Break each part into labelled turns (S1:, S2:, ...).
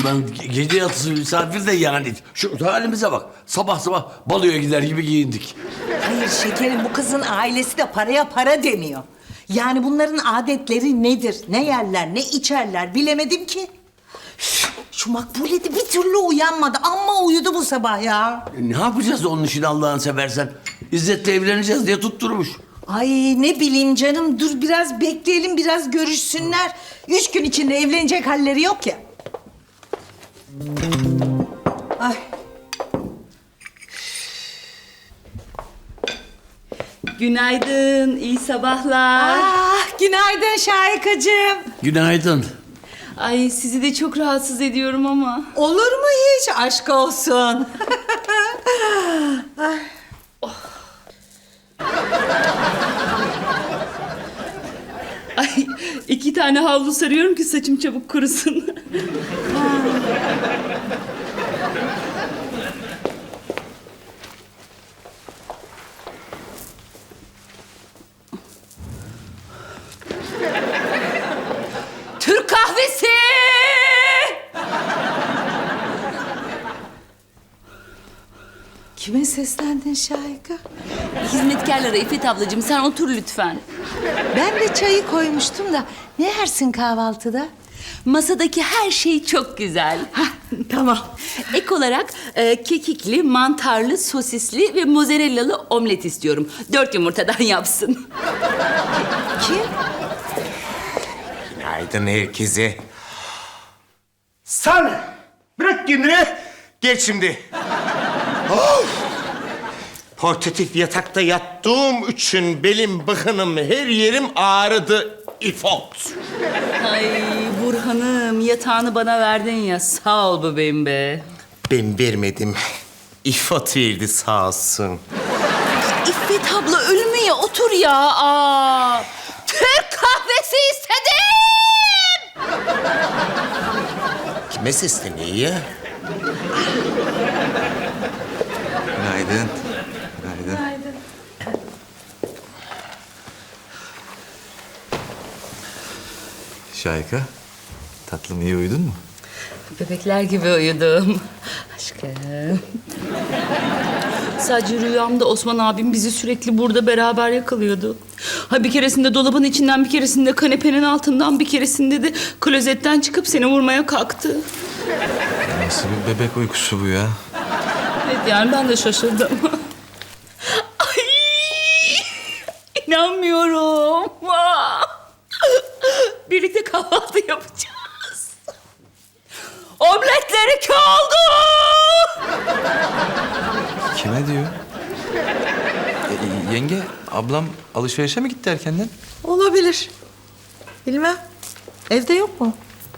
S1: Ulan gece yatısı misafir de yani. Şu halimize bak. Sabah sabah baloya gider gibi giyindik.
S2: Hayır şekerim, bu kızın ailesi de paraya para demiyor. Yani bunların adetleri nedir? Ne yerler, ne içerler bilemedim ki. Üf, şu Makbule de bir türlü uyanmadı. Amma uyudu bu sabah ya.
S1: Ne yapacağız onun için Allah'ını seversen? İzzet'le evleneceğiz diye tutturmuş.
S2: Ay ne bileyim canım, dur biraz bekleyelim, biraz görüşsünler. 3 gün içinde evlenecek halleri yok ya. Ay.
S3: Günaydın, iyi sabahlar.
S2: Günaydın Şahikacığım.
S1: Günaydın.
S3: Ay sizi de çok rahatsız ediyorum ama.
S2: Olur mu hiç? Aşk olsun.
S3: Ay 2 tane havlu sarıyorum ki saçım çabuk kurusun. Türk kahvesi!
S2: Kime seslendin Şahika?
S3: Hizmetkarlara İffet ablacığım sen otur lütfen.
S2: Ben de çayı koymuştum da ne yersin kahvaltıda?
S3: Masadaki her şey çok güzel.
S2: Tamam.
S3: Ek olarak kekikli, mantarlı, sosisli ve mozzarella'lı omlet istiyorum. 4 yumurtadan yapsın.
S2: Kim?
S4: Günaydın herkese. Sen bırak kendini. Gel şimdi. Of! Portatif yatakta yattığım için belim, bıkınım, her yerim ağrıdı. İfot.
S3: Ay Burhan'ım yatağını bana verdin ya. Sağ ol bebeğim be.
S4: Ben vermedim. İfot verdi sağ olsun.
S3: İffet abla ölmeye otur ya. Aa, Türk kahvesi istedim.
S4: Kime sesleniyor ya?
S5: Günaydın. Günaydın. Şahika, tatlım iyi uyudun mu?
S3: Bebekler gibi uyudum. Aşkım. Sadece rüyamda Osman abim bizi sürekli burada beraber yakalıyordu. Ha bir keresinde dolabın içinden, bir keresinde kanepenin altından, bir keresinde de klozetten çıkıp seni vurmaya kalktı.
S5: Nasıl bir bebek uykusu bu ya?
S3: Evet yani ben de şaşırdım. Ay! İnanmıyorum. Birlikte kahvaltı yapacağız. Omletleri iki oldu.
S5: Kime diyor? Yenge, ablam alışverişe mi gitti erkenden?
S2: Olabilir. Bilmem. Evde yok mu?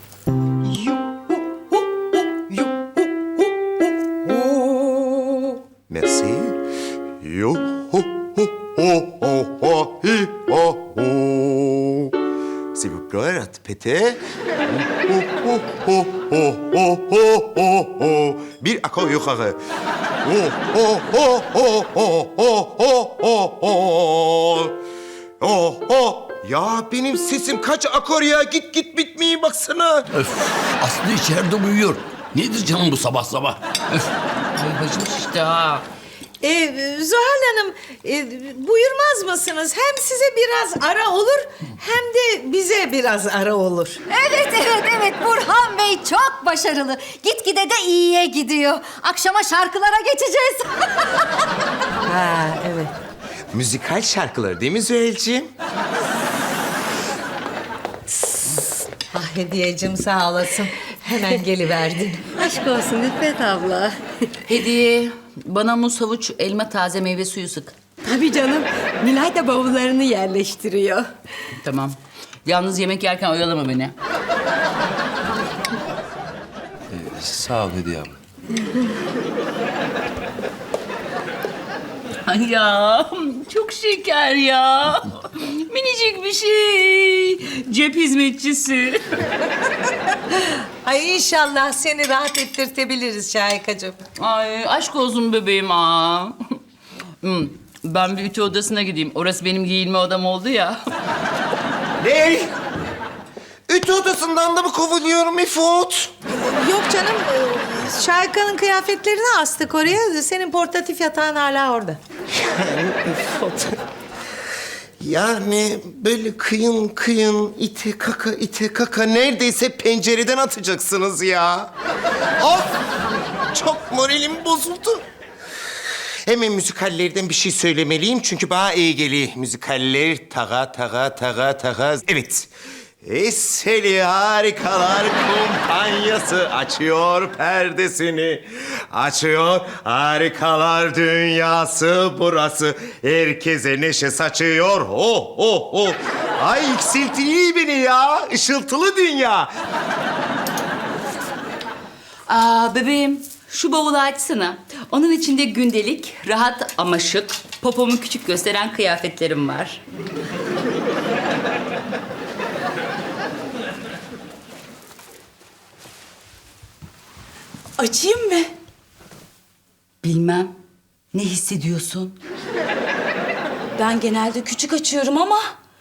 S4: Merci. Yo ho ho ho ho ho hi ho ho. S'il vous plaît, répétez. Ho ho ho ho ho ho ho ho. Bir akor yukarı. Ho ho ho ho ho ho ho ho ho. Oh oh. Ya benim sesim kaç akor ya? Git git bitmeyi baksana.
S1: Öf, Aslı içeride uyuyor. Nedir canım bu sabah sabah? Öf.
S3: Ay başım şişti ha.
S2: Zuhal Hanım, buyurmaz mısınız? Hem size biraz ara olur, hem de bize biraz ara olur.
S6: Evet Burhan Bey çok başarılı. Gitgide de iyiye gidiyor. Akşama şarkılara geçeceğiz.
S2: Ha, evet.
S4: Müzikal şarkılar değil mi Züheyl'ciğim?
S2: Ah Hediyeciğim sağ olasın. Hemen geliverdin.
S6: Aşk olsun İffet abla.
S3: Hediye, bana muz, havuç, elma, taze meyve suyu sık.
S6: Tabii canım. Nilay da bavullarını yerleştiriyor.
S3: Tamam. Yalnız yemek yerken oyalama beni.
S5: Sağ ol Hediye abla.
S3: Ay ya, çok şeker ya. Minicik bir şey. Cep hizmetçisi.
S2: Ay inşallah seni rahat ettirtebiliriz Şahikacığım.
S3: Ay aşk olsun bebeğim ha. Ben bir ütü odasına gideyim. Orası benim giyinme odam oldu ya.
S4: Ne? Ütü odasından da mı kovuluyorum İfot?
S2: Yok canım. Şahika'nın kıyafetlerini astık oraya. Senin portatif yatağın hala orada.
S4: Yani böyle kıyın kıyın ite kaka neredeyse pencereden atacaksınız ya. Of! Çok moralim bozuldu. Hemen müzikallerden bir şey söylemeliyim çünkü bana iyi geliyor. Müzikaller taga. Evet. Eseli Harikalar Kumpanyası açıyor perdesini. Açıyor harikalar dünyası burası. Herkese neşe saçıyor. Oh. Ay yükseltiliyor beni ya. Işıltılı dünya.
S3: Bebeğim şu bavulu açsana. Onun içinde gündelik, rahat ama şık, popomu küçük gösteren kıyafetlerim var.
S7: Açayım mı?
S3: Bilmem. Ne hissediyorsun?
S7: Ben genelde küçük açıyorum ama...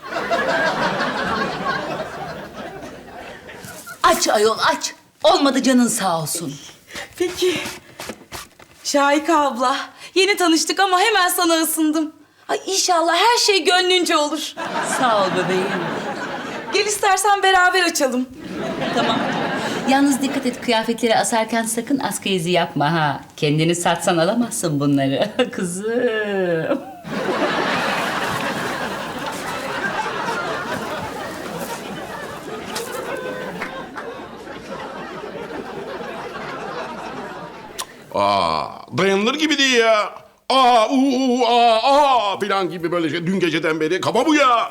S3: Aç ayol aç. Olmadı canın sağ olsun.
S7: Peki. Şahika abla, yeni tanıştık ama hemen sana ısındım. Ay inşallah her şey gönlünce olur.
S3: Sağ ol bebeğim.
S7: Gel istersen beraber açalım.
S3: Tamam. Yalnız dikkat et kıyafetleri asarken sakın askı izi yapma ha. Kendini satsan alamazsın bunları kızım.
S8: Dayanılır gibi değil ya. Filan gibi böyle şey. Dün geceden beri kafa bu ya.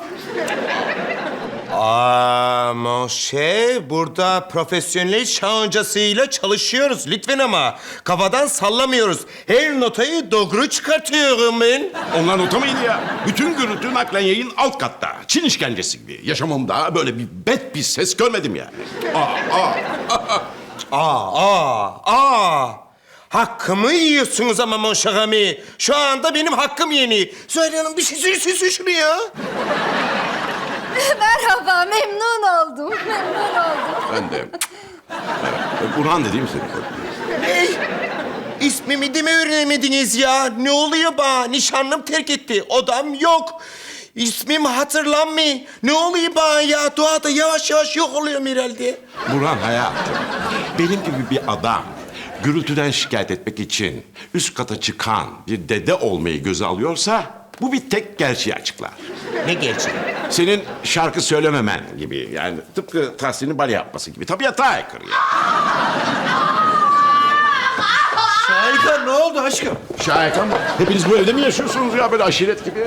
S4: Mon cher, burada profesyonel şahancasıyla çalışıyoruz lütfen ama. Kafadan sallamıyoruz. Her notayı doğru çıkartıyorum ben.
S8: Onlar nota mıydı ya? Bütün gürültü naklen yayın alt katta. Çin işkencesi gibi. Yaşamımda böyle bir bet bir ses görmedim yani.
S4: Hakkımı yiyorsunuz ama mon cher ami. Şu anda benim hakkım yeni. Zuhal Hanım bir şey söylesin şunu ya.
S6: Merhaba, memnun oldum.
S8: Ben de. Evet. Burhan dediğim senin.
S4: Ne? İsmimi de mi öğrenemediniz ya? Ne oluyor bana? Nişanlım terk etti. Odam yok. İsmim hatırlanmıyor. Ne oluyor bana ya? Doğada yavaş yavaş yok oluyorum herhalde.
S8: Burhan hayatım. Benim gibi bir adam gürültüden şikayet etmek için üst kata çıkan bir dede olmayı göze alıyorsa bu bir tek gerçeği açıklar.
S4: Ne gerçeği?
S8: Senin şarkı söylememen gibi yani tıpkı Tahsin'in bale yapması gibi tabiata aykırı ya.
S5: Şahika ne oldu aşkım?
S8: Şahika mı? Hepiniz bu evde mi yaşıyorsunuz ya böyle aşiret gibi?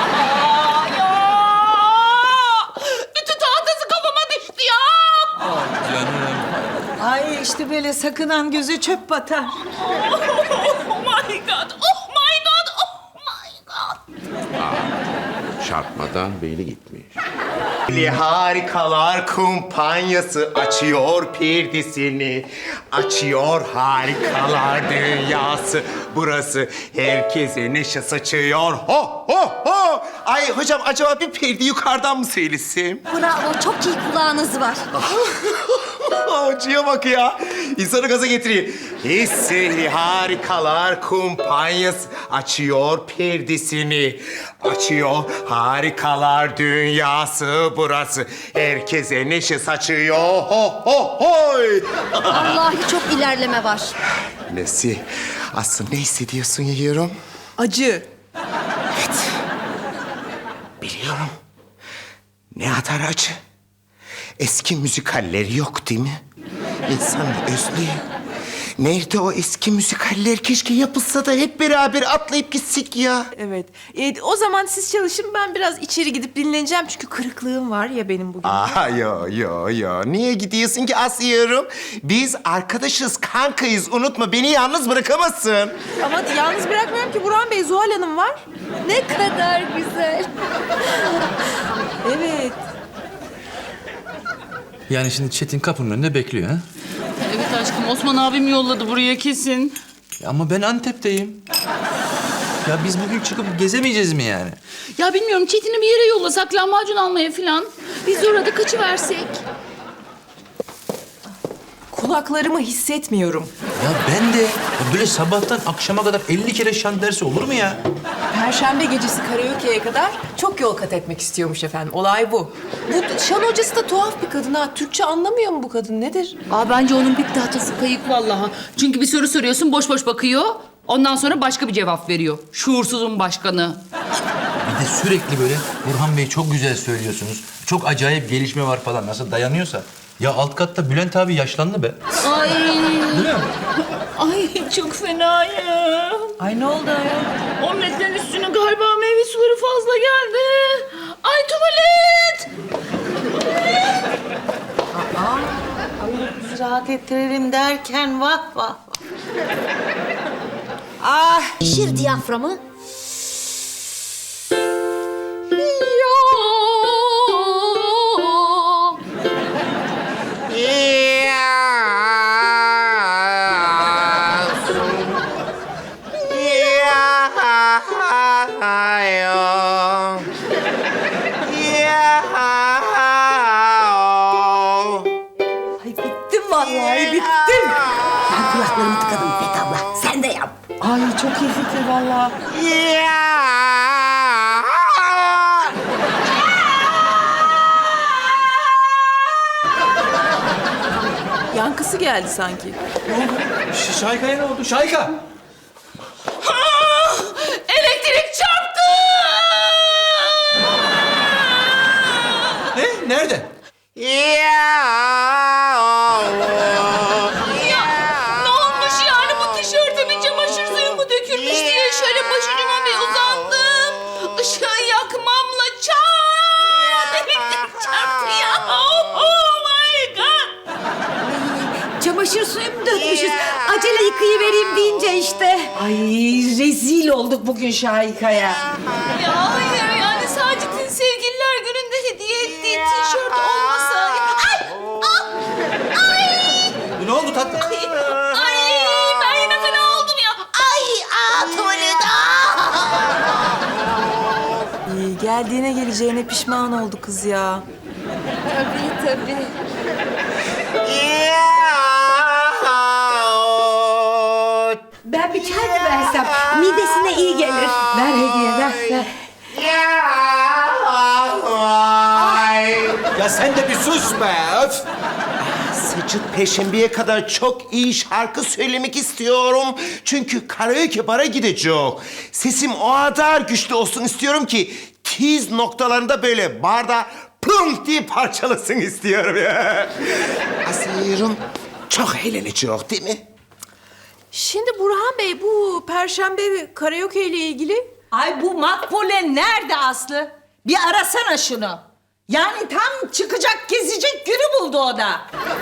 S3: Ütü tahtası kafama düştü ya.
S5: Canım.
S2: Ay işte böyle sakınan göze çöp batar.
S3: Oh my god. Oh my god. Oh my god.
S8: Çarpmadan beyni gitmiş.
S4: Harikalar Kumpanyası açıyor perdesini. Açıyor harikalar dünyası. Burası herkese neşe saçıyor. Ho! Ay hocam acaba bir perde yukarıdan mı seylesem?
S6: Bravo, çok iyi kulağınız var.
S4: Hocaya bak ya. İnsanı gaza getiriyor. Hisseli Harikalar Kumpanyası açıyor perdesini. Açıyor harikalar dünyası burası. Herkese neşe saçıyor. Hoy!
S6: Vallahi çok ilerleme var.
S4: Nesi? Aslında ne hissediyorsun yiyorum?
S7: Acı.
S4: Biliyorum. Ne kadar acı. Eski müzikaller yok değil mi? İnsan özlüyor. Nerede o eski müzikaller? Keşke yapılsa da hep beraber atlayıp gitsek ya.
S7: Evet. O zaman siz çalışın, ben biraz içeri gidip dinleneceğim çünkü kırıklığım var ya benim bugün.
S4: Yo. Niye gidiyorsun ki asıyorum? Biz arkadaşız, kankayız. Unutma beni yalnız bırakamazsın.
S7: Ama yalnız bırakmıyorum ki, Burhan Bey, Zuhal Hanım var.
S6: Ne kadar güzel.
S7: Evet.
S5: Yani şimdi Çetin kapının önünde bekliyor ha?
S3: Evet aşkım Osman abim yolladı buraya kesin.
S5: Ya ama ben Antep'teyim. Ya biz bugün çıkıp gezemeyeceğiz mi yani?
S3: Ya bilmiyorum Çetin'i bir yere yollasak lahmacun almaya falan. Biz de orada kaçıversek.
S9: kulaklarımı hissetmiyorum.
S5: Ya ben de böyle sabahtan akşama kadar 50 kere şan dersi olur mu ya?
S9: Perşembe gecesi karaoke'ye kadar çok yol kat etmek istiyormuş efendim. Olay bu. Bu şan hocası da tuhaf bir kadın ha. Türkçe anlamıyor mu bu kadın? Nedir?
S3: Aa, bence onun bir tahtası kayık vallahi. Çünkü bir soru soruyorsun boş boş bakıyor. Ondan sonra başka bir cevap veriyor. Şuursuzun başkanı.
S5: Bir de sürekli böyle Burhan Bey çok güzel söylüyorsunuz. Çok acayip gelişme var falan. Nasıl dayanıyorsa. Ya alt katta Bülent abi yaşlandı be.
S3: Ay.
S5: Değil mi?
S3: Ay çok fena ya.
S2: Ay ne oldu ya?
S3: Omletlerin üstüne galiba meyve suları fazla geldi. Ay tuvalet.
S2: Bizi rahat ettirelim derken vah vah. Ah
S6: Şişir diyaframı.
S2: ay bittim vallahi bittim.
S6: Ben kulaklarımı tıkadım İffet abla. Sen de yap.
S2: Ay çok iyi fikir vallahi.
S9: Yankısı geldi sanki.
S5: Şayka'ya ne oldu? Şayka!
S3: Elektrik çarptı.
S5: Ne? Nerede?
S3: Ya ne olmuş yani bu tişörtüme çamaşır suyu mu dökülmüş diye şöyle başucuma bir uzandım. Işığı yakmamla çat elektrik çarptı ya. Oh my god.
S6: Çamaşır suyu mu dökmüşüz? Acele yıkayıvereyim deyince işte.
S2: Ay rezil olduk bugün Şahika'ya.
S3: Ya hayır yani Sacit'in sevgililer gününde hediye ettiği tişört olmasa.
S5: Ne oldu tatlım?
S3: Ay ben yine fena oldum ya. Tuvalet.
S9: Geldiğine geleceğine pişman oldu kız ya.
S6: Tabii. Ben bir çay mı versem? Midesine iyi gelir.
S2: Ver hediye ver.
S5: Ya sen de bir sus be! Öf!
S4: Sıcıt Perşembe'ye kadar çok iyi şarkı söylemek istiyorum. Çünkü karaoke bara gidecek. Sesim o kadar güçlü olsun istiyorum ki... ...tiz noktalarında böyle barda plum diye parçalasın istiyorum ya. Aslıyorum çok eğlenecek değil mi?
S9: Şimdi Burhan Bey bu Perşembe karaoke ile ilgili
S2: Ay bu Makbule nerede Aslı? Bir arasana şunu. Yani tam çıkacak gezecek günü buldu o da.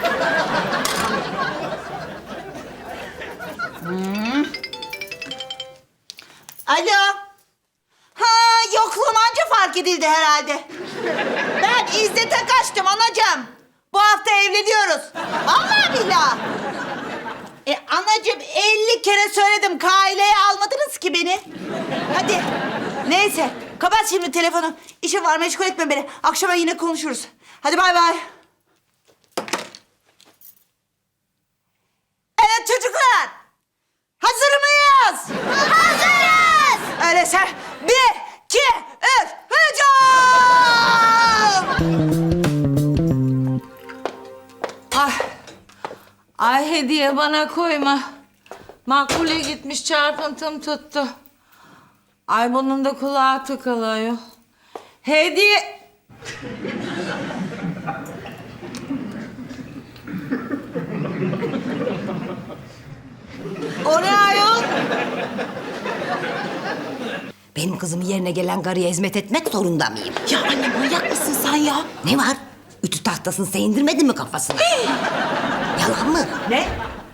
S10: Alo. Ha, yokluğum anca fark edildi herhalde. Ben İzzet'e kaçtım anacığım. Bu hafta evleniyoruz. Vallahi billahi. Anacığım 50 kere söyledim. Kaileye almadınız ki beni. Hadi. Neyse. Kapat şimdi telefonu. İşim var, meşgul etme beni. Akşama yine konuşuruz. Hadi bay bay. Evet çocuklar. Hazır mıyız? Hazırız. Öyleyse 1, 2, 3, hücum!
S2: Ay hediye bana koyma. Makbule gitmiş çarpıntım tuttu. Ay bunun da kulağı tıkalıyor. Hediye...
S10: O ne ayol?
S6: Benim kızımı yerine gelen karıya hizmet etmek zorunda mıyım?
S7: Ya anne manyak mısın sen ya?
S6: Ne var? Ütü tahtasını sen indirmedin mi kafasına? Yalan mı?
S2: Ne?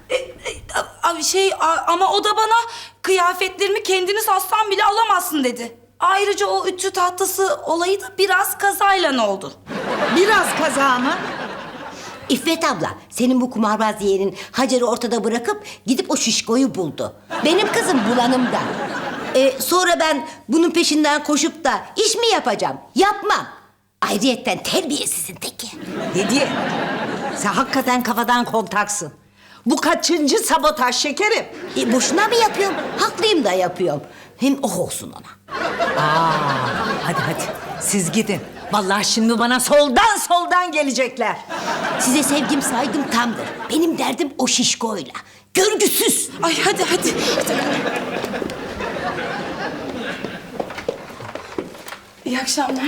S7: Ama o da bana kıyafetlerimi kendiniz aslan bile alamazsın dedi. Ayrıca o ütü tahtası olayı da biraz kazayla oldu.
S2: Biraz kaza mı?
S6: İffet abla, senin bu kumarbaz yeğenin Hacer'i ortada bırakıp gidip o şişkoyu buldu. Benim kızım bulanımda. Sonra ben bunun peşinden koşup da iş mi yapacağım? Yapmam. Ayrıyetten terbiyesizin teki.
S2: Hediye. Sen hakikaten kafadan kontaksın. Bu kaçıncı sabotaj şekerim?
S6: Boşuna mı yapıyorum? Haklıyım da yapıyorum. Hem oh olsun ona.
S2: Hadi siz gidin. Vallahi şimdi bana soldan gelecekler.
S6: Size sevgim saygım tamdır. Benim derdim o şişkoyla. Görgüsüz.
S7: Ay hadi. İyi akşamlar.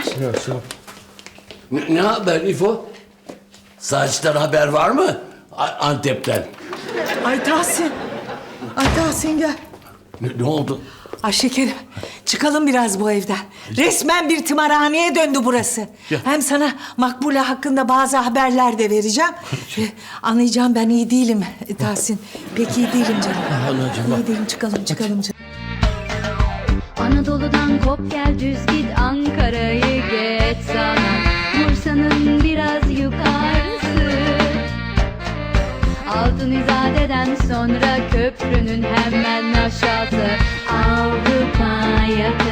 S1: Ne haber İfo? Saçtan haber var mı? Antep'ten.
S2: Ay Tahsin gel.
S1: Ne oldu?
S2: Ay şekerim, çıkalım biraz bu evden. Resmen bir tımarhaneye döndü burası. Hem sana Makbule hakkında bazı haberler de vereceğim. Anlayacağım ben iyi değilim Tahsin. Pek iyi değilim canım.
S1: Anacığım, bak.
S2: İyi değilim, çıkalım canım.
S11: Anadolu'dan kop gel düz git Ankara'yı geç sana Bursa'nın biraz yukarısı Altın İzade'den sonra köprünün hemen aşağısı Avrupa yakası